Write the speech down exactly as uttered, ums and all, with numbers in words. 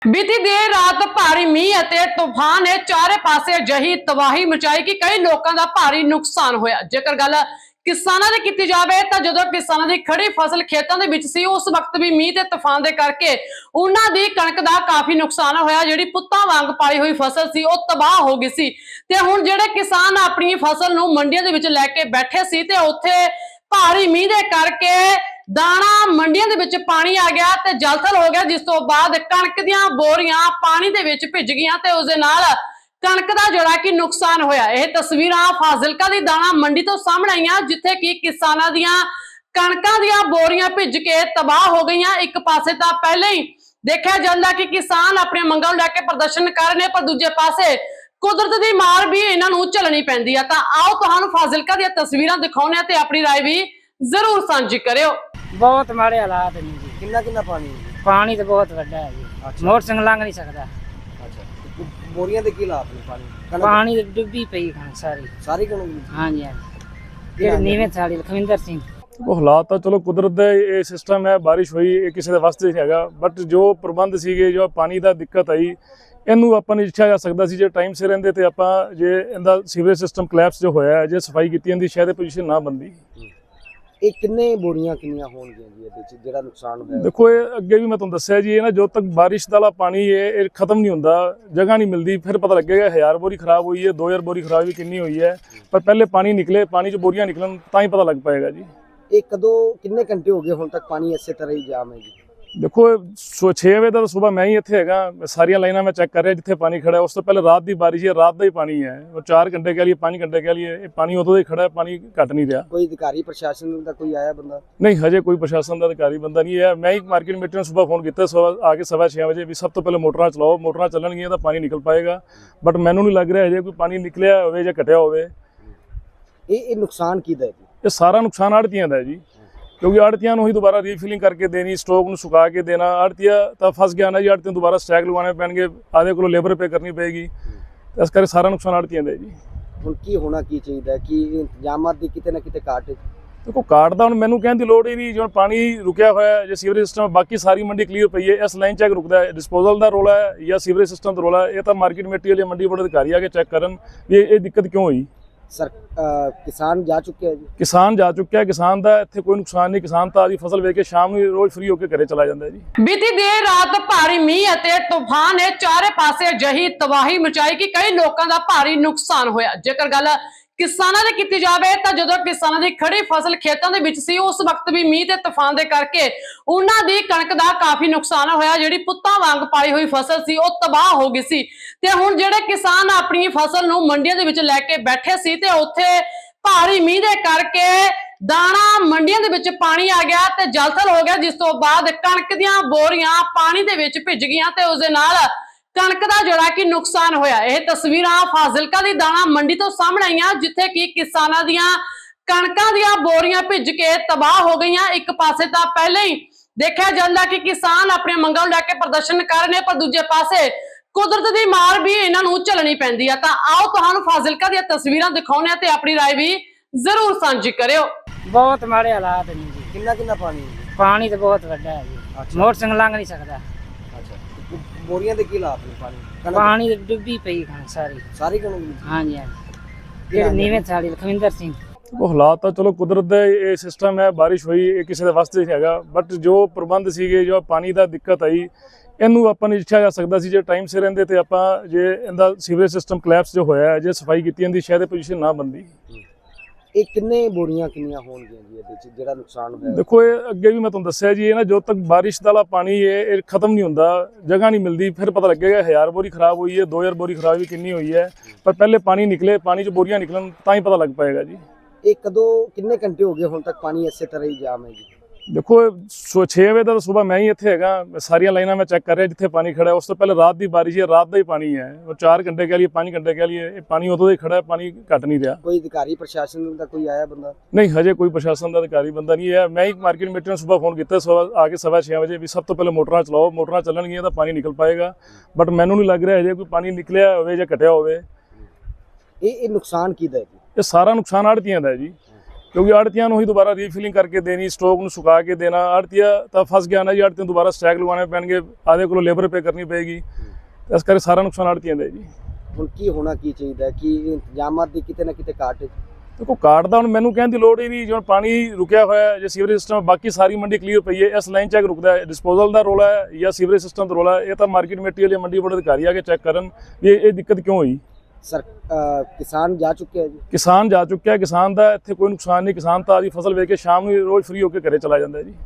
बीती देर रात भारी मीह ਅਤੇ तूफान ने चारे पासे अजिही तबाही मचाई कि कई लोगों का भारी नुकसान होया। जेकर गल किसानां दी कीती जावे तां जदों किसानां दी खड़ी फसल खेतां दे विच सी उस वक्त भी मीह ते तूफान दे करके उन्हां दी कणक दा काफी नुकसान होया। जिहड़ी पुत्तां वांग पाई हुई फसल सी ओह तबाह हो गई सी ते हुण जिहड़े किसान अपनी फसल नूं मंडियां दे विच लैके बैठे सी ते उत्थे भारी मीह दे करके दाना मंडियां दे विच पानी आ गया ते जलथल हो गया, जिस तो बाद कणक दीयां बोरियां पानी दे विच भिज गईयां ते उस दे नाल कणक दा जिहड़ा कि नुकसान होया। यह तस्वीरां फाजिलका दी दाना मंडी तो सामने आईयां जिथे कि किसानां दीयां कणकां दीयां बोरियां भिज के तबाह हो गईयां। एक पासे तां पहले ही देखिया जांदा कि किसान अपनी मंगां नूं लैके प्रदर्शन कर रहे, पर दूजे पासे कुदरत दी मार भी इन्हां नूं झलनी पैंदी है। तां आओ तुहानूं फाजिलका दीयां तस्वीरां दिखाउने आ ते अपनी राय भी जरूर साझी करियो। बहुत माड़े हालात ने जी। कितना कितना पानी है? पानी तो बहुत वड्डा है जी। अच्छा। मोटरसाइकिल लंघ नहीं सकता। अच्छा, बोरियां दे की हालात ने पानी कणक पानी तो डुब्बी पई कणक सारी। सारी कणक? हाँ जी हाँ जी। ਜਿਹੜੇ ਨੀਵੇਂ ਥਾਲੀ ਲਖਵਿੰਦਰ ਸਿੰਘ। ਉਹ ਹਾਲਾਤ ਤਾਂ ਚਲੋ ਕੁਦਰਤ ਦਾ ਇਹ ਸਿਸਟਮ ਹੈ, ਬਾਰਿਸ਼ ਹੋਈ ਇਹ ਕਿਸੇ ਦੇ ਵਾਸਤੇ ਨਹੀਂ ਹੈਗਾ, ਬਟ ਜੋ ਪ੍ਰਬੰਧ ਸੀਗੇ ਜੋ ਪਾਣੀ ਦਾ ਦਿੱਕਤ ਆਈ ਇਹਨੂੰ ਆਪਾਂ ਨੇ ਇੱਛਾ ਜਾ ਸਕਦਾ ਸੀ ਜੇ ਟਾਈਮ ਸਿਰ ਰਹਿੰਦੇ ਤੇ ਆਪਾਂ ਜੇ ਇਹਦਾ ਸੀਵਰੇਜ ਸਿਸਟਮ ਕਲੈਪਸ ਜੋ ਹੋਇਆ ਜੇ ਸਫਾਈ ਕੀਤੀ ਜਾਂਦੀ ਸ਼ਾਇਦ ਇਹ ਪੋਜੀਸ਼ਨ ਨਾ ਬੰਦੀ। ਇਹ ਕਿੰਨੇ ਬੋਰੀਆਂ ਕਿੰਨੀਆਂ ਹੋਣਗੀਆਂ ਜੀ ਇਹਦੇ ਚ ਜਿਹੜਾ ਨੁਕਸਾਨ ਹੋਇਆ? ਦੇਖੋ ਇਹ ਅੱਗੇ ਵੀ ਮੈਂ ਤੁਹਾਨੂੰ ਦੱਸਿਆ ਜੀ, ਇਹ ਨਾ ਜਦੋਂ ਤੱਕ ਬਾਰਿਸ਼ ਦਾ ਪਾਣੀ ਹੈ ਇਹ ਖਤਮ ਨਹੀਂ ਹੁੰਦਾ, ਜਗ੍ਹਾ ਨਹੀਂ ਮਿਲਦੀ, ਫਿਰ ਪਤਾ ਲੱਗੇਗਾ ਹਜ਼ਾਰ ਬੋਰੀ ਖਰਾਬ ਹੋਈ ਹੈ, ਦੋ ਹਜ਼ਾਰ ਬੋਰੀ ਖਰਾਬ ਵੀ ਕਿੰਨੀ ਹੋਈ ਹੈ, ਪਰ ਪਹਿਲੇ ਪਾਣੀ ਨਿਕਲੇ, ਪਾਣੀ 'ਚ ਬੋਰੀਆਂ ਨਿਕਲਣ ਤਾਂ ਹੀ ਪਤਾ ਲੱਗ ਪਾਏਗਾ ਜੀ। ਇਹ ਕਦੋਂ ਕਿੰਨੇ ਘੰਟੇ ਹੋ ਗਏ ਹੁਣ ਤੱਕ ਪਾਣੀ ਇਸੇ ਤਰ੍ਹਾਂ ਹੀ ਜਾਮ ਹੈ ਜੀ? ਦੇਖੋ ਛੇ ਵਜੇ ਦਾ ਸਵੇਰ ਮੈਂ ਹੀ ਇੱਥੇ ਹੈਗਾ, ਸਾਰੀਆਂ ਲਾਈਨਾਂ ਮੈਂ ਚੈੱਕ ਕਰ ਰਿਹਾ ਜਿੱਥੇ ਪਾਣੀ ਖੜਾ, ਉਸ ਤੋਂ ਪਹਿਲੇ ਰਾਤ ਦੀ ਬਾਰਿਸ਼ ਹੈ, ਰਾਤ ਦਾ ਹੀ ਪਾਣੀ ਹੈ, ਉਹ ਚਾਰ ਘੰਟੇ ਕਹਿ ਲਈਏ ਪੰਜ ਘੰਟੇ ਕਹਿ ਲਈਏ ਇਹ ਪਾਣੀ ਉਦੋਂ ਦਾ ਹੀ ਖੜਾ ਹੈ, ਪਾਣੀ ਘਟ ਨਹੀਂ ਰਿਹਾ। ਕੋਈ ਅਧਿਕਾਰੀ ਪ੍ਰਸ਼ਾਸਨ ਦਾ ਕੋਈ ਆਇਆ ਬੰਦਾ? ਨਹੀਂ, ਹਜੇ ਕੋਈ ਪ੍ਰਸ਼ਾਸਨ ਦਾ ਅਧਿਕਾਰੀ ਬੰਦਾ ਨਹੀਂ ਹੈ। ਮੈਂ ਹੀ ਮਾਰਕੀਟ ਕਮੇਟੀ ਨੂੰ ਸਵੇਰ ਫੋਨ ਕੀਤਾ ਸਵੇਰ ਆ ਕੇ ਸਵਾ ਛੇ ਵਜੇ ਵੀ ਸਭ ਤੋਂ ਪਹਿਲੇ ਮੋਟਰਾਂ ਚਲਾਓ, ਮੋਟਰਾਂ ਚੱਲਣਗੀਆਂ ਤਾਂ ਪਾਣੀ ਨਿਕਲ ਪਾਏਗਾ, ਬਟ ਮੈਨੂੰ ਨਹੀਂ ਲੱਗ ਰਿਹਾ ਹਜੇ ਕੋਈ ਪਾਣੀ ਨਿਕਲਿਆ ਹੋਵੇ ਜਾਂ ਘਟਿਆ ਹੋਵੇ। ਇਹ ਇਹ ਨੁਕਸਾਨ ਕਿਹਦਾ ਹੈ ਜੀ? ਇਹ ਸਾਰਾ ਨੁਕਸਾਨ ਆੜ੍ਹਤੀਆਂ ਦਾ ਹੈ ਜੀ, ਕਿਉਂਕਿ ਆੜ੍ਹਤੀਆਂ ਨੂੰ ਹੀ ਦੁਬਾਰਾ ਰੀਫਿਲਿੰਗ ਕਰਕੇ ਦੇਣੀ, ਸਟੋਕ ਨੂੰ ਸੁਕਾ ਕੇ ਦੇਣਾ। ਆੜ੍ਹਤੀਆ ਤਾਂ ਫਸ ਗਿਆ ਨਾ ਜੀ, ਆੜ੍ਹਤੀਆਂ ਦੁਬਾਰਾ ਸਟੈਕ ਲਗਵਾਉਣੇ ਪੈਣਗੇ, ਆਦੇ ਕੋਲੋਂ ਲੇਬਰ ਪੇ ਕਰਨੀ ਪਏਗੀ, ਇਸ ਕਰਕੇ ਸਾਰਾ ਨੁਕਸਾਨ ਆੜ੍ਹਤੀਆਂ ਦਾ ਜੀ। ਹੁਣ ਕੀ ਹੋਣਾ ਕੀ ਚਾਹੀਦਾ ਕਿ ਇੰਤਜ਼ਾਮਾਤ ਦੀ ਕਿਤੇ ਨਾ ਕਿਤੇ ਘਾਟ ਹੈ? ਦੇਖੋ ਕਾਰਡ ਦਾ ਹੁਣ ਮੈਨੂੰ ਕਹਿਣ ਦੀ ਲੋੜ ਹੀ ਨਹੀਂ, ਜਿਵੇਂ ਪਾਣੀ ਰੁਕਿਆ ਹੋਇਆ ਜੇ ਸੀਵਰੇਜ ਸਿਸਟਮ ਬਾਕੀ ਸਾਰੀ ਮੰਡੀ ਕਲੀਅਰ ਪਈ ਹੈ, ਇਸ ਲਾਈਨ ਚੈੱਕ ਰੁਕਦਾ ਹੈ, ਡਿਸਪੋਜ਼ਲ ਦਾ ਰੋਲਾ ਹੈ ਜਾਂ ਸੀਵਰੇਜ ਸਿਸਟਮ ਦਾ ਰੋਲਾ ਹੈ, ਇਹ ਤਾਂ ਮਾਰਕੀਟ ਕਮੇਟੀ ਵਾਲੇ ਮੰਡੀ ਬੋਰਡ ਅਧਿਕਾਰੀ ਆ ਕੇ ਚੈੱਕ ਕਰਨ ਵੀ ਇਹ ਦਿੱਕਤ ਕਿਉਂ ਹੋਈ। ਸਰ ਕਿਸਾਨ ਜਾ ਚੁੱਕੇ ਹੈ ਜੀ? ਕਿਸਾਨ ਜਾ ਚੁੱਕਿਆ, ਕਿਸਾਨ ਦਾ ਇੱਥੇ ਕੋਈ ਨੁਕਸਾਨ ਨਹੀਂ, ਕਿਸਾਨ ਤਾਂ ਆਦੀ ਫਸਲ ਵੇਚ ਕੇ ਸ਼ਾਮ ਨੂੰ ਰੋਜ਼ ਫ੍ਰੀ ਹੋ ਕੇ ਘਰੇ ਚਲਾ ਜਾਂਦਾ ਜੀ। बीती देर रात भारी मीह ਅਤੇ तूफान ने चारे पासे अजिही तबाही मचाई कि कई लोगों का भारी नुकसान होया। जेकर गल किसानां दी कीती जावे तां जदों किसानां दी खड़ी फसल खेतां दे विच सी उस वक्त भी मीह ते तूफान दे करके उन्हां दी कणक दा काफी नुकसान होया। जिहड़ी पुत्तां वांग पाई हुई फसल सी ओह तबाह हो गई सी ते हुण जिहड़े किसान अपनी फसल नूं मंडियां दे विच लैके बैठे सी ते उत्थे भारी मीह दे करके दाना मंडियां दे विच पानी आ गया ते जलथल हो गया, जिस तो बाद कणक दीयां बोरियां पानी दे विच भिज गईयां ते उस दे नाल कणक दा जिहड़ा कि नुकसान होया। यह तस्वीरां फाजिलका दी दाना मंडी तो सामने आईयां जिथे कि किसानां दीयां कणकां दीयां बोरियां भिज के तबाह हो गईयां। एक पासे तां पहले ही देखिया जांदा कि किसान अपनी मंगां नूं लैके प्रदर्शन कर रहे, पर दूजे पासे कुदरत दी मार भी इन्हां नूं झलनी पैंदी है। तां आओ तुहानूं फाजिलका दी तस्वीरां दिखाउने आ ते अपनी राय भी जरूर साझी करियो। बहुत माड़े हालात ने जी। कितना कितना पानी है? पानी तो बहुत वड्डा है जी। अच्छा। मोटरसाइकिल लंघ नहीं सकता। बोरियां दे की हालात ने पानी कणक पानी तो डुब्बी पई कणक सारी। सारी कणक? हाँ जी हाँ जी। ਜਿਹੜੇ ਨੀਵੇਂ ਥਾਲੀ ਲਖਵਿੰਦਰ ਸਿੰਘ। ਉਹ ਹਾਲਾਤ ਤਾਂ ਚਲੋ ਕੁਦਰਤ ਦਾ ਇਹ ਸਿਸਟਮ ਹੈ, ਬਾਰਿਸ਼ ਹੋਈ ਇਹ ਕਿਸੇ ਦੇ ਵਾਸਤੇ ਨਹੀਂ ਹੈਗਾ, ਬਟ ਜੋ ਪ੍ਰਬੰਧ ਸੀਗੇ ਜੋ ਪਾਣੀ ਦਾ ਦਿੱਕਤ ਆਈ ਇਹਨੂੰ ਆਪਾਂ ਨੇ ਇੱਛਾ ਜਾ ਸਕਦਾ ਸੀ ਜੇ ਟਾਈਮ ਸਿਰ ਰਹਿੰਦੇ ਤੇ ਆਪਾਂ ਜੇ ਇਹਦਾ ਸੀਵਰੇਜ ਸਿਸਟਮ ਕਲੈਪਸ ਜੋ ਹੋਇਆ ਜੇ ਸਫਾਈ ਕੀਤੀ ਜਾਂਦੀ ਸ਼ਾਇਦ ਇਹ ਪੋਜੀਸ਼ਨ ਨਾ ਬੰਦੀ। ਇਹ ਕਿੰਨੇ ਬੋਰੀਆਂ ਕਿੰਨੀਆਂ ਹੋਣਗੀਆਂ ਜੀ ਇਹਦੇ ਚ ਜਿਹੜਾ ਨੁਕਸਾਨ ਹੋਇਆ? ਦੇਖੋ ਇਹ ਅੱਗੇ ਵੀ ਮੈਂ ਤੁਹਾਨੂੰ ਦੱਸਿਆ ਜੀ, ਇਹ ਨਾ ਜਦੋਂ ਤੱਕ ਬਾਰਿਸ਼ ਦਾ ਪਾਣੀ ਹੈ ਇਹ ਖਤਮ ਨਹੀਂ ਹੁੰਦਾ, ਜਗ੍ਹਾ ਨਹੀਂ ਮਿਲਦੀ, ਫਿਰ ਪਤਾ ਲੱਗੇਗਾ ਹਜ਼ਾਰ ਬੋਰੀ ਖਰਾਬ ਹੋਈ ਹੈ, ਦੋ ਹਜ਼ਾਰ ਬੋਰੀ ਖਰਾਬ ਵੀ ਕਿੰਨੀ ਹੋਈ ਹੈ, ਪਰ ਪਹਿਲੇ ਪਾਣੀ ਨਿਕਲੇ, ਪਾਣੀ 'ਚ ਬੋਰੀਆਂ ਨਿਕਲਣ ਤਾਂ ਹੀ ਪਤਾ ਲੱਗ ਪਾਏਗਾ ਜੀ। ਇਹ ਕਦੋਂ ਕਿੰਨੇ ਘੰਟੇ ਹੋ ਗਏ ਹੁਣ ਤੱਕ ਪਾਣੀ ਇਸੇ ਤਰ੍ਹਾਂ ਹੀ ਜਾਮ ਹੈ ਜੀ? ਦੇਖੋ ਛੇ ਵਜੇ ਦਾ ਸਵੇਰ ਮੈਂ ਹੀ ਇੱਥੇ ਹੈਗਾ, ਸਾਰੀਆਂ ਲਾਈਨਾਂ ਮੈਂ ਚੈੱਕ ਕਰ ਰਿਹਾ ਜਿੱਥੇ ਪਾਣੀ ਖੜਾ, ਉਸ ਤੋਂ ਪਹਿਲੇ ਰਾਤ ਦੀ ਬਾਰਿਸ਼ ਹੈ, ਰਾਤ ਦਾ ਹੀ ਪਾਣੀ ਹੈ, ਉਹ ਚਾਰ ਘੰਟੇ ਕਹਿ ਲਈਏ ਪੰਜ ਘੰਟੇ ਕਹਿ ਲਈਏ ਇਹ ਪਾਣੀ ਉਦੋਂ ਦਾ ਹੀ ਖੜਾ ਹੈ, ਪਾਣੀ ਘਟ ਨਹੀਂ ਰਿਹਾ। ਕੋਈ ਅਧਿਕਾਰੀ ਪ੍ਰਸ਼ਾਸਨ ਦਾ ਕੋਈ ਆਇਆ ਬੰਦਾ? ਨਹੀਂ, ਹਜੇ ਕੋਈ ਪ੍ਰਸ਼ਾਸਨ ਦਾ ਅਧਿਕਾਰੀ ਬੰਦਾ ਨਹੀਂ ਹੈ। ਮੈਂ ਹੀ ਮਾਰਕੀਟ ਕਮੇਟੀ ਨੂੰ ਸਵੇਰ ਫੋਨ ਕੀਤਾ ਸਵੇਰ ਆ ਕੇ ਸਵਾ ਛੇ ਵਜੇ ਵੀ ਸਭ ਤੋਂ ਪਹਿਲੇ ਮੋਟਰਾਂ ਚਲਾਓ, ਮੋਟਰਾਂ ਚੱਲਣਗੀਆਂ ਤਾਂ ਪਾਣੀ ਨਿਕਲ ਪਾਏਗਾ, ਬਟ ਮੈਨੂੰ ਨਹੀਂ ਲੱਗ ਰਿਹਾ ਹਜੇ ਕੋਈ ਪਾਣੀ ਨਿਕਲਿਆ ਹੋਵੇ ਜਾਂ ਘਟਿਆ ਹੋਵੇ। ਇਹ ਇਹ ਨੁਕਸਾਨ ਕਿਹਦਾ ਹੈ ਜੀ? ਇਹ ਸਾਰਾ ਨੁਕਸਾਨ ਆੜ੍ਹਤੀਆਂ ਦਾ ਹੈ ਜੀ, ਕਿਉਂਕਿ ਆੜਤੀਆਂ ਨੂੰ ਹੀ ਦੁਬਾਰਾ ਰੀਫਿਲਿੰਗ ਕਰਕੇ ਦੇਣੀ, ਸਟਾਕ ਨੂੰ ਸੁਕਾ ਕੇ ਦੇਣਾ। ਆੜਤੀਆ ਤਾਂ ਫਸ ਗਿਆ ਨਾ ਜੀ, ਆੜਤੀਆਂ ਨੂੰ ਦੁਬਾਰਾ ਸਟੈਕ ਲਗਵਾਉਣੇ ਪੈਣਗੇ, ਆਦੇ ਕੋਲੋਂ ਲੇਬਰ ਪੇ ਕਰਨੀ ਪਏਗੀ। ਇਸ ਕਰਕੇ ਸਾਰਾ ਨੁਕਸਾਨ ਆੜਤੀਆਂ ਦਾ ਹੈ ਜੀ। ਹੁਣ ਕੀ ਹੋਣਾ ਕੀ ਚਾਹੀਦਾ ਹੈ ਕਿ ਇੰਤਜ਼ਾਮਾਤ ਦੀ ਕਿਤੇ ਨਾ ਕਿਤੇ ਘਾਟ ਹੈ? ਦੇਖੋ ਕਾਰਡ ਦਾ ਹੁਣ ਮੈਨੂੰ ਕਹਿਣ ਦੀ ਲੋੜ ਹੀ ਨਹੀਂ, ਜਿਵੇਂ ਪਾਣੀ ਰੁਕਿਆ ਹੋਇਆ ਹੈ, ਜੇ ਸੀਵਰੇਜ ਸਿਸਟਮ ਬਾਕੀ ਸਾਰੀ ਮੰਡੀ ਕਲੀਅਰ ਪਈ ਹੈ, ਇਸ ਲਾਈਨ ਚੈੱਕ ਰੁਕਦਾ ਹੈ, ਡਿਸਪੋਜ਼ਲ ਦਾ ਰੋਲਾ ਹੈ ਜਾਂ ਸੀਵਰੇਜ ਸਿਸਟਮ ਦਾ ਰੋਲਾ ਹੈ, ਇਹ ਤਾਂ ਮਾਰਕੀਟ ਕਮੇਟੀ ਵਾਲੇ ਮੰਡੀ ਬੋਰਡ ਅਧਿਕਾਰੀ ਆ ਕੇ ਚੈੱਕ ਕਰਨ ਵੀ ਇਹ ਇਹ ਦਿੱਕਤ ਕਿਉਂ ਹੋਈ। ਸਰ ਅ, ਕਿਸਾਨ ਜਾ ਚੁੱਕੇ ਹੈ ਜੀ? ਕਿਸਾਨ ਜਾ ਚੁੱਕਿਆ, ਕਿਸਾਨ ਦਾ ਇੱਥੇ ਕੋਈ ਨੁਕਸਾਨ ਨਹੀਂ, ਕਿਸਾਨ ਤਾਂ ਆਦੀ ਫਸਲ ਵੇਚ ਕੇ ਸ਼ਾਮ ਨੂੰ ਰੋਜ਼ ਫ੍ਰੀ ਹੋ ਕੇ ਘਰੇ ਚਲਾ ਜਾਂਦਾ ਹੈ ਜੀ।